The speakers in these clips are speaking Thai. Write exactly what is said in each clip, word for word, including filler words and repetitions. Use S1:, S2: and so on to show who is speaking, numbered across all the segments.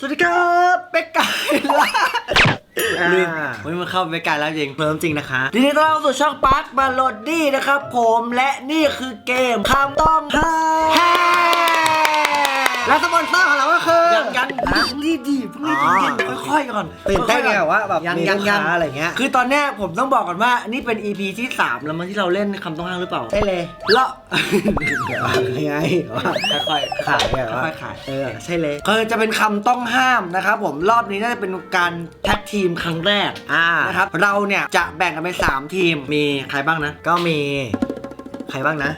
S1: สวัสดีครับเป็กไก่ล่าลืมวันนี้มันเข้าเป็กไก่แล้วจริงเพิ่มจริงนะคะทีนี้ต้อนรับสู่ช่องปาร์คบาโลดี้นะครับผมและนี่คือเกมคำต้องห้ามและสปอนเซอร์ของเราก็คือยังยังรีบดีเพิ่งรีบดีค่อยๆก่อนตื่นเต้นไงว่าแบบยังยังยังอะไรเงี้ยคือตอนเนี้ยผมต้องบอกก่อนว่านี่เป็น อี พี ที่สามแล้วมั้งที่เราเล่นคำต้องห้ามหรือเปล่าใช่เลยแล้วยังไงค่อยๆขายค่อยๆขายเออใช่เลยคือจะเป็นคำต้องห้ามนะครับผมรอบนี้น่าจะเป็นการแท็กทีมครั้งแรกนะครับเราเนี่ยจะแบ่งกันเป็นสามทีมมีใครบ้างนะก็มีใครบ้างนะ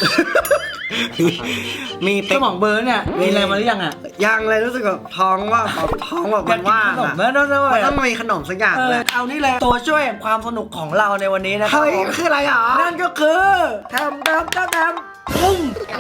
S1: มีสมองเบอร์เนี่ยมีอะไรมาหรือยังอ่ะยังเลยรู้สึกแบบท้องว่าท้องแบบมันว่างอ่ะมันต้องมีขนมสักอย่างเลยเอานี่เลยตัวช่วยความสนุกของเราในวันนี้นะครับเฮ้ยคืออะไรอ่ะนั่นก็คือทำทำทำทำปุ้ง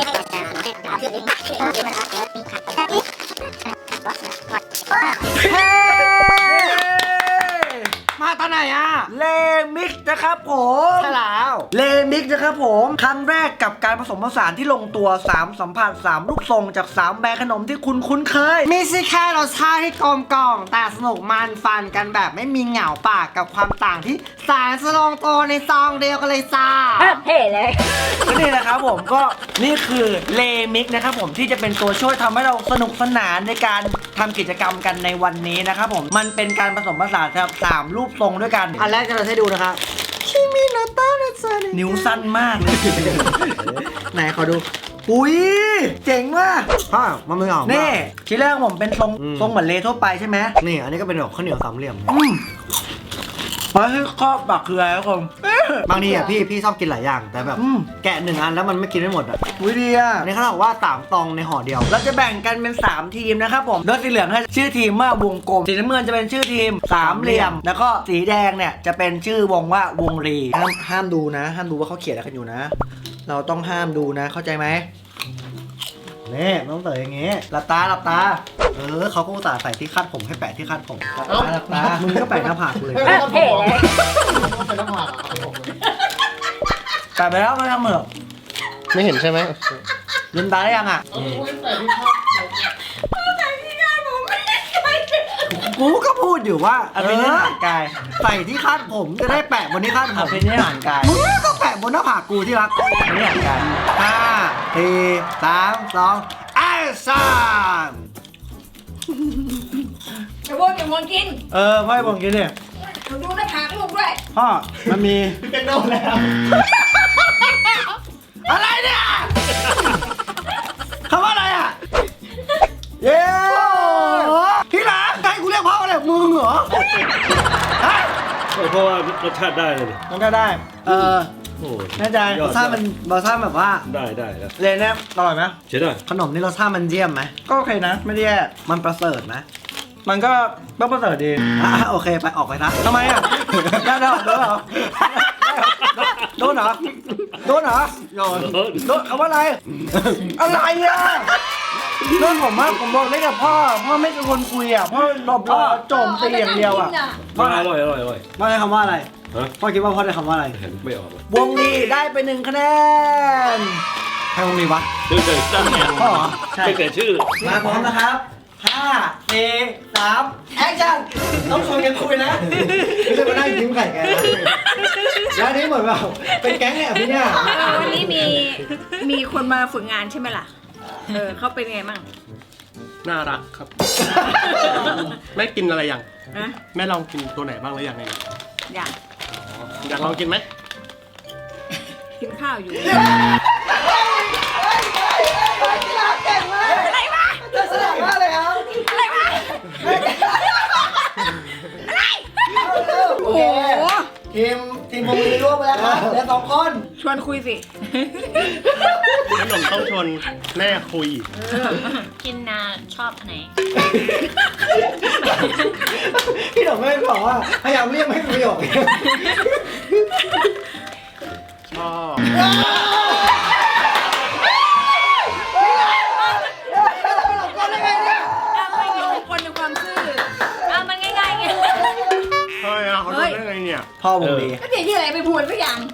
S1: มาตอนไหนอ่ะเลมิกนะครับผมใช่แล้วเลมิกนะครับผมครั้งแรกกับการผสมผสานที่ลงตัวสามสัมผัสสามลูกทรงจากสามแบรนด์ขนมที่คุณคุ้นเคยไม่ใช่แค่รสชาติที่กลมกล่อมแต่สนุกมันฟันกันแบบไม่มีเหงาปากกับความต่างที่สารสลงตัวในซองเดียวกันเลยจ้า
S2: เท่เลย
S1: ก็นี่นะครับผมก็นี่คือเลมิกนะครับผมที่จะเป็นตัวช่วยทำให้เราสนุกสนานในการทำกิจกรรมกันในวันนี้นะครับผมมันเป็นการผสมผสานครับสามรูปทรงด้วยกันอันแรกจะเราให้ดูนะครับคิมิโนโตะนะจ๊ะนิ้วสั้นมากเลยไหนขอดูอุ้ยเจ๋งมากพ่อมันไม่ออกนี่ทีแรกผมเป็นทรงทรงเหมือนเลทั่วไปใช่ไหมนี่อันนี้ก็เป็นแบบข้าวเหนียวสามเหลี่ยมเพราะที่ครอบบักคืออะไรครับผมบางทีอ่ะพี่พี่ชอบกินหลายอย่างแต่แบบแกะหนึ่งอันแล้วมันไม่กินไม่หมดอ่ะอุ้ยดีอ่ะนี่เขาบอกว่าสามตองในห่อเดียวเราจะแบ่งกันเป็นสามทีมนะครับผมโดยสีเหลืองให้ชื่อทีมว่าวงกลมสีน้ำเงินจะเป็นชื่อทีมสามเหลี่ยมแล้วก็สีแดงเนี่ยจะเป็นชื่อวงว่าวงรีห้ามห้ามดูนะห้ามดูว่าเขาเขียนอะไรกันอยู่นะเราต้องห้ามดูนะเข้าใจไหมนี่ต้องเต๋ออย่างงี้หลับตาหลับตาเออเขาก็อุตส่าห์ใส่ที่คาดผมให้แปะที่คาดผมหลับตามึงก็แปะหน้าผากเลย
S2: เท่เลย
S1: แปะไปแล้วไม่ทำเหมือก
S3: ไม่เห็นใช่ไหม
S1: ลืมตาได้ยังอ่ะกูก็พูดอยู่ว่าอภินิหารกายใส่ที่คาดผมจะได้แปะบนที่คาดผมอภินิหารกายมึงก็แปะบนหน้าผากกูที่รักอภินิหารกายห้าสี่สามสองแอคชั่น
S2: จะวนจะวนกิน
S1: เออพ่อให้ผมกินเนี่ย
S2: ดูหน้าผากลูกด้วย
S1: พ่อมันมีเป็นโน่แล้วอะไรเนี่ยคำว่าอะไรอ่ะเย้พี่หลานให้กูเรียกพ่ออะไรมึงเหรอ
S3: เพราะว่ารสชาติได้เลย
S1: รสชาติได้เออโอ้แน่ใจรสชาติมันรสชาติแบบว่า
S3: ได้ได้แล้ว
S1: เลยเนี่ยอร่อยไหม
S3: ใช่ได้
S1: ขนมนี่รสชาติมันเยี่ยมไหมก็โอเคนะไม่ได้แย่มันประเสริฐนะมันก็ต้องประเสริฐดีอ่ะโอเคไปออกไปนะทำไมอ่ะได้ได้โดนเหรอโดนเหรอโดนเหรอโดนโดนคำว่าอะไรอะไรอ่ะเรื่องผมว่าผมบอกได้กับพ่อพ่อไม่เป็นคนคุยอ่ะพ่อหลบพ่อโจมตีอย่างเดียวอ่ะ
S3: พ่ออร่อยอร่อยอร่อย
S1: พ่อได้คำว่าอะไรพ่อคิดว่าพ่อได้คำว่าอะไร
S3: ไม่ออก
S1: วงนี้ได้ไปหนึ่งคะแนนใครวงนี้วะ
S3: ชื่อเกิดตั้งแง่
S1: พ่อใช่
S3: เกิดชื่อ
S1: มาพร้อมนะครับห้าสี่สามแอคชั่นต้องชวนกันคุยนะไม่ใช่มานั่งยิ้มไข่แกแล้วนี้เหมือนแบบเป็นแก๊งเนี่ยพี่เนี่ย
S2: วันนี้มีมีคนมาฝึกงานใช่ไหมล่ะเออเขาเป็นไงมั่ง
S3: น่ารักครับแม่กินอะไรอย่างแม่ลองกินตัวไหนบ้างหรือยังไง
S2: อยาก
S3: อยากลองกินไหม
S2: กินข้าวอยู่
S1: อะไรวะจะแสดงว่าอะไรครับ
S2: อะไรวะอะไรโอ้โห
S1: ทีมทีมวงนี้ร่วมไปแล้วครับเหลือสองคน
S2: ชวนคุยสิ
S3: ขนมต้องชวนแม่คุย
S2: กินนาชอบไหน
S1: พี่หนุ่มไม่บอกว่าพยายามเรียกไม่ประโยค
S3: ชอบ
S2: เฮ้ย
S3: เขาโดนได้ไงเนี่ย
S1: พ่อวงดี
S2: ก็เดี๋ยวที่ไหนไปพูดสักอย่าง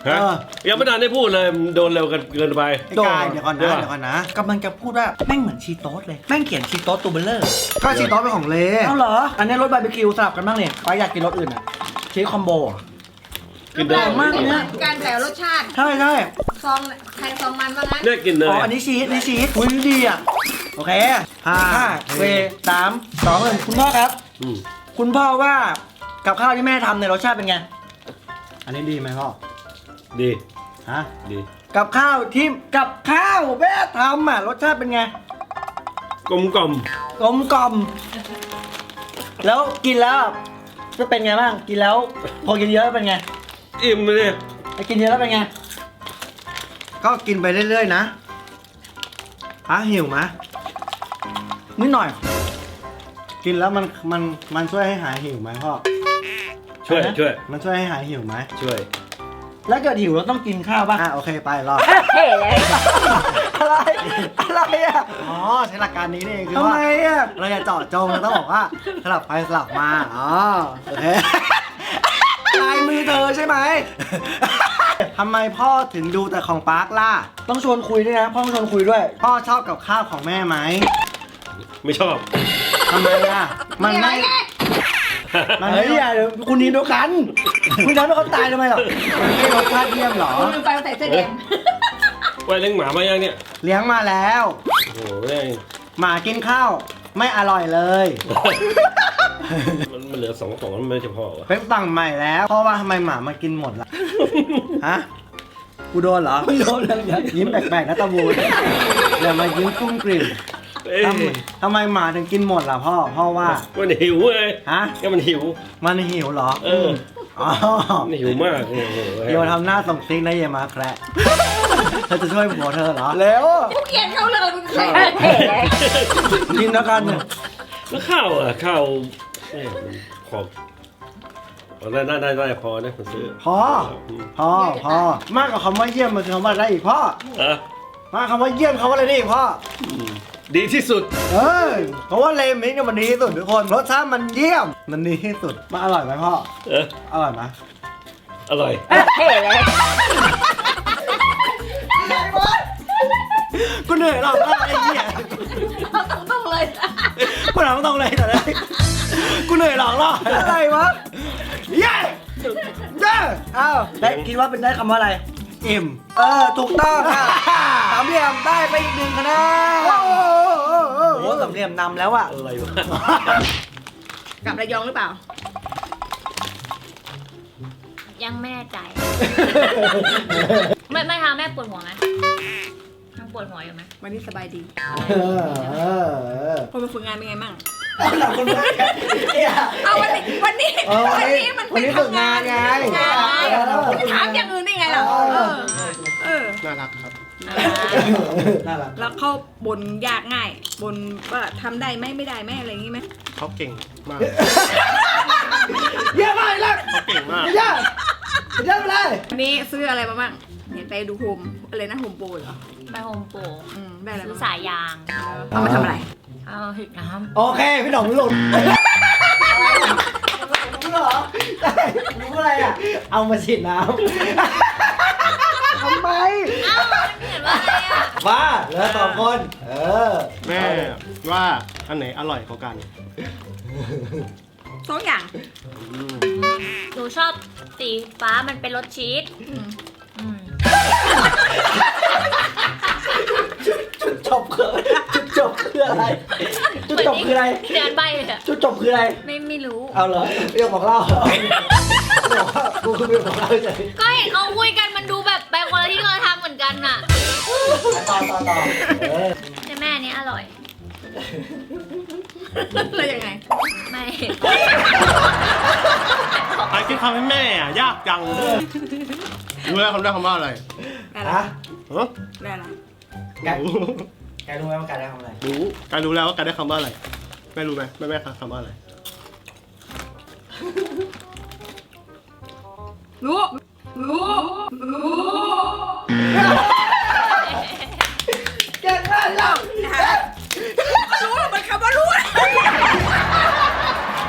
S4: ฮะ
S1: เออ
S4: ยังไม่ทันได้พูดเลยมันโดนเร็วกันเกินไป
S1: ไอ้กายเดี๋ยวก่อนนะ
S4: เดี๋ยว
S1: เดี๋ยวก่อนนะกำลังจะพูดว่าแม่งเหมือนชีโต๊สเลยแม่งเขียนชีโต๊สตัวเบลเลอร์
S5: ก็ชีโต๊ะเป็นของเล
S1: เอาเหรออันนี้รสบาร์บีคิวสลับกันบ้างเนี่ยไปอยากกินรสอื่นอ่ะชีสคอมโบอะ
S4: กินได้
S1: มากเนี่ย
S2: การแต่รสชาติ
S1: ใช่ใช่
S2: ซองใครซองมันว่างั้น
S4: เนี่ยกินเล
S1: อ๋อย อันนี้ชีสอันนี้ชีสอุ้ยดีอ่ะโอเค
S5: ห้า
S1: ห้าเวสามสองหนึ่งคุณพ่อครับ
S4: อืม
S1: คุณพ่อว่ากับข้าวที่แม่ทำในยรสชาติเป็นไง
S5: อันนี้ดีไหมพ่อ
S4: ดี
S5: ฮะ
S4: ดี
S1: กับข้าวที่กับข้าวแม่ทำอ่ะรสชาติเป็นไง
S4: กลมกล่อม
S1: กลมกล่อมแล้วกินแล้วจะเป็นไงบ้างกินแล้ว พอกินเยอะเป็นไง
S4: อิ่มเลย
S1: ไปกินเยอะแล้วเป็นไง
S5: ก็กินไปเรื่อยๆนะฮะหิวไหม
S1: นิดหน่อย
S5: กินแล้วมันมันมันช่วยให้หายหิวไหมพ่อ
S4: ช่วย
S1: อะไรนะ
S4: ช่วย
S5: มันช่วยให้หายหิวไหม
S4: ช่วย
S1: แล้วเกิดหิวเราต้องกินข้าวป่ะ
S5: อ่ะโอเคไปรอ
S1: อะไรอะไรอ่ะ
S5: อ๋อใช้หลักการนี้นี่เองคือ
S1: ทำ
S5: ว่า
S1: ไมอ่ะ
S5: เราจะเจาะจงเราต้องบอกว่าสลับไปสลับมาอ๋อโอเค
S1: ลายมือเธอใช่ไหม
S5: ทำไมพ่อถึงดูแต่ของปาร์คล่ะ
S1: ต้องชวนคุยด้วยนะพ่อต้องชวนคุยด้วย
S5: พ่อชอบกับข้าวของแม่ไหม
S4: ไม่ชอบ
S5: ทำไมอ่ะมันไม่มัน
S1: เฮ้
S5: ไม่
S1: ยอย่าเดี๋ยวคุณนีนเดียวกัน คุณทำให้เขาตายทำไมหรอ
S5: มันไม่รสชาติเยี่ยมเหรอ
S2: คุณลืมไปว่าใส่เสื้อแดง
S4: ไว้เลี้ยงหมามายังเนี่ย
S5: เลี้ยงมาแล้ว
S4: โอ้โหแม่ง
S5: หมากินข้าวไม่อร่อยเลย
S4: มันมันเหลือสองกล่องมันไม่จะพอวะ
S5: เป็นสั่งใหม่แล้วเพราะว่าทำไมหมามากินหมดล่ะฮะกูโดนเหรอ
S1: ไม่โดนเลยอย่า
S5: ยิ้มแปลกๆนะตะบูนอย่ามายิ้มกุ้มกลิ่ม
S4: เอ้ย
S5: ทำไมทำไมหมาถึงกินหมดล่ะพ่อพ่อว่า
S4: มันหิวเลย
S5: ฮะ
S4: ก็มันหิว
S5: มันหิวเหรอ
S4: เออ
S5: อ๋อ
S4: มันหิวมากโอ้โห
S5: โยทำหน้าส่งซิกนะเยมาแคระเธอจะช่วยผัวเธอเหรอ
S1: แล้ว
S2: กูเกลียดเขาเลยมึงใคร
S1: กินแล้วกัน
S4: แล้วข้าวอ่ะข้าวแม่งมันขอบเอาได้ได้ได้ได้พอนะผมซื้อ
S5: พ่อพ่อพ่อมากกว่าคำว่าเยี่ยมมันคือคำว่าอะไรอีกพ่อ
S4: เอะ
S5: มากคำว่าเยี่ยมเขาว่าอะไรได้อีกพ่อ
S4: มดีที่สุด
S5: เออเพราะว่าเลมิกเนี่ยมันดีที่สุดทุกคนรสชาติมันเยี่ยม มันดีที่สุดมันอร่อยไหมพ่อ
S4: เออ
S5: อร่อยไหม
S4: อร่อย
S5: กูเหนื่อยหรอกไอ้เหี้ย
S2: เอาตรงๆเลย
S5: กูหนังตรงเลยแต่เลยกูเหนื่อยหรอกหรอ
S1: อะไรวะ
S5: เย้เย้
S1: อ้าวได้คิดว่าเป็นได้คำว่าอะไร
S5: อิ่ม
S1: เออถูกต้องค่ะสามเหลี่ยมได้ไปอีกหนึ่งคะแนนโอ้โหสามเหลี่ยมนำแล้วอ่ะ
S4: อะไรวะ
S2: กลับระยองหรือเปล่า
S6: ยังไม่แน่ใจ ไม่ไม่ทำแม่ปวดหัวไหมยังปวดหัวอยู่ไหม
S2: วันนี้สบายดี
S5: เออเออเออ
S2: คนมาฝึกงานเป็นไงมั่ง
S1: หลังคนแรกเนี่ย
S2: เอาวันนี้วันนี้
S5: เออ
S2: วันนี้มัน
S5: วันนี้ฝึกงานไง
S2: ฝึกงานไง
S5: เออ
S2: ถามอย่างอื่นได้ไงล่ะ
S5: เออ
S2: เออเออ
S3: น่ารักครับ
S5: น่ารัก
S2: แล้วเขาบนยากง่ายบนว่าทำได้ไหมไม่ได้ไหมอะไรอย่างงี้ไหม
S3: เขาเก่งมาก
S5: เยี่ยมมากเลย
S3: เขาเก่งมาก
S5: เยี่ยมเยี่ยมเลย
S2: วันนี้ซื้ออะไรมาบ้างเห็นไปดูโฮมอะไรนะโฮมโปรเหรอ
S6: ไปโฮมโปร
S2: อืมได้อะไร
S6: ซื้อ
S2: บ้าง
S6: สายยาง
S2: เอามาทำอะไร
S6: เอาหิดน้
S5: โอเค พี่หน่องหลุดรู้เหรอใช่รู้อะไรอ่ะ เอามาฉีดน้ำทำไม
S6: ำอ้าวมันเห็นว่าอะไรอ่ะ
S5: บ้าเหลือสองคน เออ
S3: แม่ว่าอันไหนอร่อยกว่ากัน
S2: สองอย่าง
S3: อืม
S6: หนูชอบสีฟ้ามันเป็นรสชีส
S2: อืม
S6: อืม
S1: จุดจบคือจุดจบคืออะไร จุดจบคืออะไร
S6: เดือนใบเลยอะ
S1: จุดจบคืออะไร
S6: ไม่ไม่รู้
S1: เอาเหรอเรื่องของเราบอกว่ากูคือเรื่องของเราเฉย
S6: ก็เห็นเขาคุยกันมันดูแบบไปคนละที่คนละทางเหมือนกันน่ะ
S1: ต่อต่อต่อเออ
S6: แต่แม่อันนี้อร่อย
S2: แล้วยังไง
S6: ไม่
S3: ใครคิดคำให้แม่อ่ะ ยากจังรู้แล้วคำได้คำว่าอะไร
S2: ได้ละ
S1: ฮะ
S3: ฮะ
S2: ได้ละ
S1: แกแกรู้ไหมว่าการได้ทำอะไร
S3: รู้การรู้แล้วว่าการได้คำว่าอะไรแม่รู้ไหมแม่แม่คำว่าอะไร
S2: รู้รู้รู้
S1: แกได้แล้ว
S2: รู้หรอมันคำว่ารู้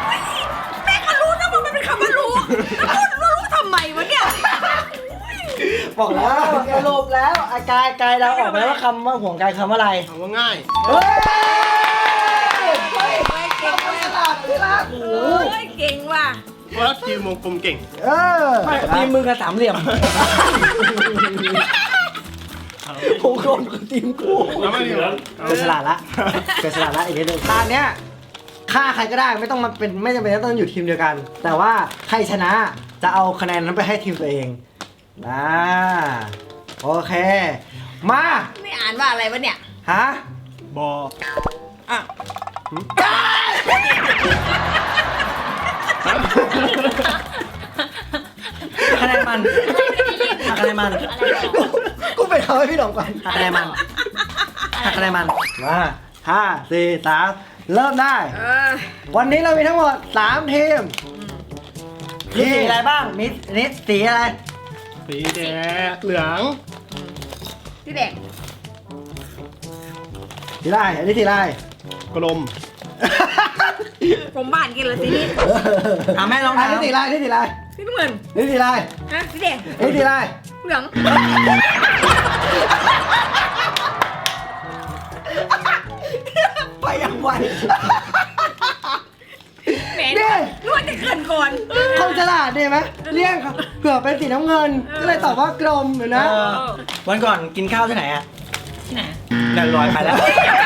S2: แม่ก็รู้นะว่ามันเป็นคำว่ารู้แล้วรู้รู้ทำไมวะเนี่ย
S5: บอกแล้วสรุปแล้วอากายกายเราออกไปแล้วว่าคำว่าห่วงกายคำว่าอะไร
S3: ถามว่าง่าย
S5: เฮ้ย
S2: เฮ้ยเก่งว่ะ
S5: ฉลาดที่รัก
S2: โอ้ยเก่งว่ะ
S3: เพราะว่าทีมวงกลมเก่ง
S5: เออทีมมือกับสามเหลี่ยมผมโกนกับทีมกู
S3: แล้วไม่เหลือ
S5: เกิดฉลาดละเกิดฉลาดละอีกนิดนึงตอนเนี้ยฆ่าใครก็ได้ไม่ต้องมาเป็นไม่จำเป็นต้องอยู่ทีมเดียวกัน แต่ว่าใครชนะจะเอาคะแนนนั้นไปให้ทีมตัวเองนะโอเค มา
S2: ไม่อ่านว่าอะไรวะเนี่ย
S5: ฮะ
S3: บอ
S2: อ่ะ
S5: คะแนนมันหักคะแนนมันกูไปเอาให้พี่หลงก่อนหักคะแนนมันหักคะแนนมันมาห้าสี่สามเริ่มได้
S2: เออ
S5: วันนี้เรามีทั้งหมดสามทีมมีสีอะไรบ้างมีนิดสีอะไร
S3: สีแดงเหลือง
S2: ที่แดง
S5: สีอะไรอันนี้สีอะไร
S3: กลม
S2: ผมบ้านกินเลยสีนี้
S1: อ่ะแม่ลอง
S5: อัน
S1: ถาม
S5: นี้สีอะไรอันนี้สีอะไร
S2: สีน้ำเงิน
S5: อันนี้สีอะไร
S2: ฮะสีแดง
S5: อันนี้สีอะไร
S2: เหลือง
S5: ไปอย่างไว
S2: แหม
S5: นี่
S2: นวดจะเกินก่อน
S5: คนฉลาดดีไหมเลี่ยงเผื่อเป็นสีน้ำเงิน ก็เลยตอบว่ากลมเห็นนะ
S1: เออวันก่อนกินข้าวที่ไหนอะ
S6: ที่ไหน
S1: เดินลอยไปแล้ว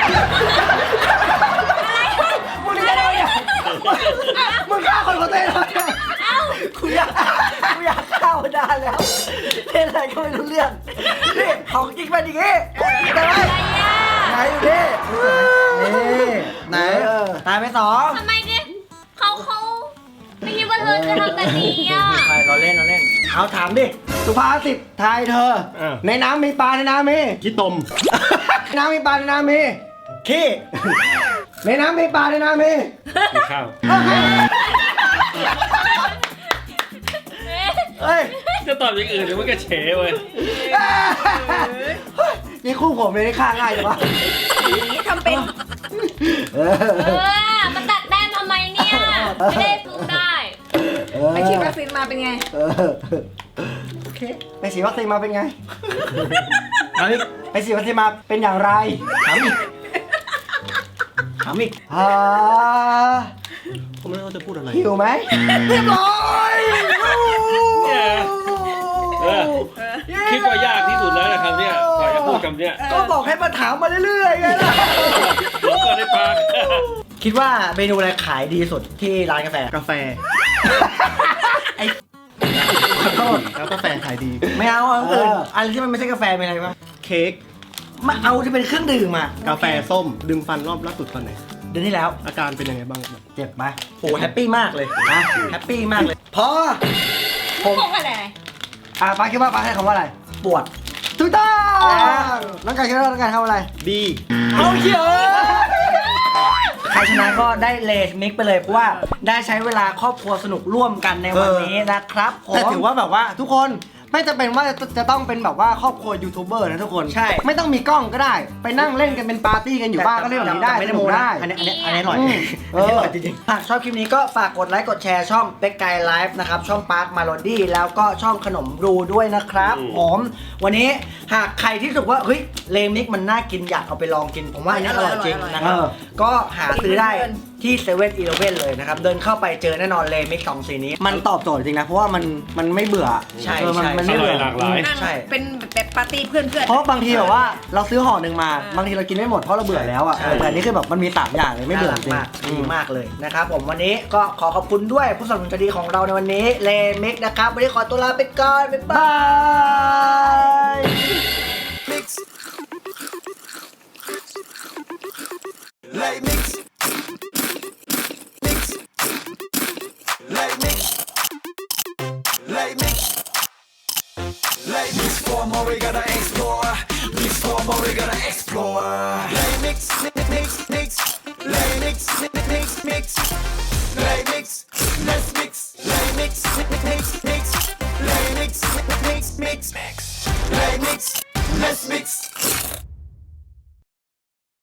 S5: มึงจะได้เนี่ยมึงฆ่าคนเขาเต้นเลยกูอยากกูอยากฆ่ามันนานแล้วเล่นอะไรก็ไม่รู้เรื่องนี่ของจริงเป็นอย่างงี้แต่ว่าไหนดูดินี่ไหนตายไปสอง
S6: ทำไมเนี่ยเขาเขาไม่คิดว่าเธอจะทำแบบนี้อ่ะ
S1: ใครเราเล่นเราเล่น
S5: เอาถามดิสุภาษิตไทยเธอ ในน้ำมีปลาในน้ำมี
S3: ขี้ตม
S5: ในน้ำมีปลาในน้ำมีขี้ในน้ำมีปลาในน้ำมี
S4: มีข้าว
S5: เฮ้ย
S4: จะตอบอย่างอื่นหรือมันก็เฉยเว้ย
S5: นี่คู่ผมเลยนี่ฆ่าง่ายจังวะ
S2: นี่ทำเป็น
S5: เอ
S6: เออมาตัดแต้มทำไมเนี่ยไม่ได้สู้ได้
S2: ไปฉีดวัคซีนมาเป็นไง
S5: เออโอเคไปฉีดวัคซีนมาเป็นไง
S1: เอาอีก
S5: ไปฉีดวัคซีนมาเป็นอย่างไร
S1: ถามอีกถามอีก
S5: อ่า
S3: ผมไม่รู้ว่าจะพูดอะไร
S5: หิวไหมเรียบร้อย
S4: เนี่ยเออคิดว่ายากที่สุดแล้วนะครับเนี่ยกว่าจะพูดคำเนี้ย
S5: ก็บอกให้มาถามมาเรื่อยๆไงล่ะ
S4: หลงก่อนในปาก
S1: คิดว่าเมนูอะไรขายดีสุดที่ร้านกาแฟ
S3: กาแฟ
S1: ไอ้ขอโทษ
S3: แล้วกาแฟขายดี
S1: ไม่เอาเอาอื่นอะไรที่มันไม่ใช่กาแฟเป็นอะไรวะ
S3: เค้ก
S1: มาเอาที่เป็นเครื่องดื่มอ่ะ
S3: กาแฟส้ม ดึงฟันรอบล่าสุดตอนไหน
S1: เดือนที่แล้ว
S3: อาการเป็นยังไงบ้างแบบ
S1: เจ็บไหมโหแฮปปี้มากเลยนะแฮปปี้มากเลย
S5: พอ
S6: พงอะไร
S5: อ่ะป้าคิดว่าป้าให้คำว่าอะไร
S1: ปวด
S5: ถูกต้องน้องกายคิดว่าน้องกายทำอะไร
S3: ดี
S1: เอาเขียวใครชนะก็ได้เลสมิกไปเลยเพราะว่าได้ใช้เวลาครอบครัวสนุกร่วมกันในวันนี้นะครับผม
S5: แต่ถือว่าแบบว่าทุกคนไม่จำเป็นว่าจะจะต้องเป็นแบบว่าครอบครัวยูทูบเบอร์นะทุกคน
S1: ใช่
S5: ไม่ต้องมีกล้องก็ได้ ไปนั่งเล่นกันเป็นปาร์ตี้กันอยู่บ้านก็เล่นแบบนี้ได้
S1: ไม่ได้
S5: ส
S1: โม
S5: นุก
S1: นะ
S5: ได้
S1: อันนี้อันนี้อันนี้อร่อย
S5: อืม
S1: อันนี้อร่อยจริงๆหากชอบคลิปนี้ก็ฝากกดไลค์กดแชร์ช่องเป็กไกไลฟ์นะครับช่องปาร์คมาโลดี้แล้วก็ช่องขนมบรูด้วยนะครับผมวันนี้หากใครที่รู้สึกว่าเฮ้ยเลมิกมันน่ากินอยากเอาไปลองกิน ผมว่าอันนี้อร่อยจริงนะครับ
S5: เออ
S1: ก็หาซื้อได้ที่เซเว่นอีเลฟเว่นเลยนะครับเดินเข้าไปเจอแน่นอนเลมิกสองสีนี้
S5: มันตอบโจทย์จริงนะเพราะว่ามันมันไม่เบื่อ
S1: ใช่
S5: เออมัน
S1: ใช่
S5: มันไม่เบื่อ
S4: หลากหลาย
S2: นั่ง
S1: ใช่
S2: เป็นแบบปาร์ตี้เพื่อนเพื่อน
S5: เพราะบางทีแบบว่าเราซื้อห่อหนึ่งมา
S2: เออ
S5: บางทีเรากินไม่หมดเพราะเราเบื่อแล้วอ่ะ
S1: ใช่
S5: แต่อันนี้คือแบบมันมีสามอย่างเลยไม่เบื่อจริง
S1: น่ารักมากดีมากเลยนะครับผมวันนี้ก็ขอขอบคุณด้วยผู้สนับสนุนใจดีของเราในวันนี้เลมิกนะครับวันนี้ขอตัวลาไปก่อนบ๊ายบาย
S7: Like mix, mix, like mix, like mix, like mix for more we gotta explore. Mix for more we gotta explore. Like mix, mix, mix, mix, like mix, mix, mix, mix.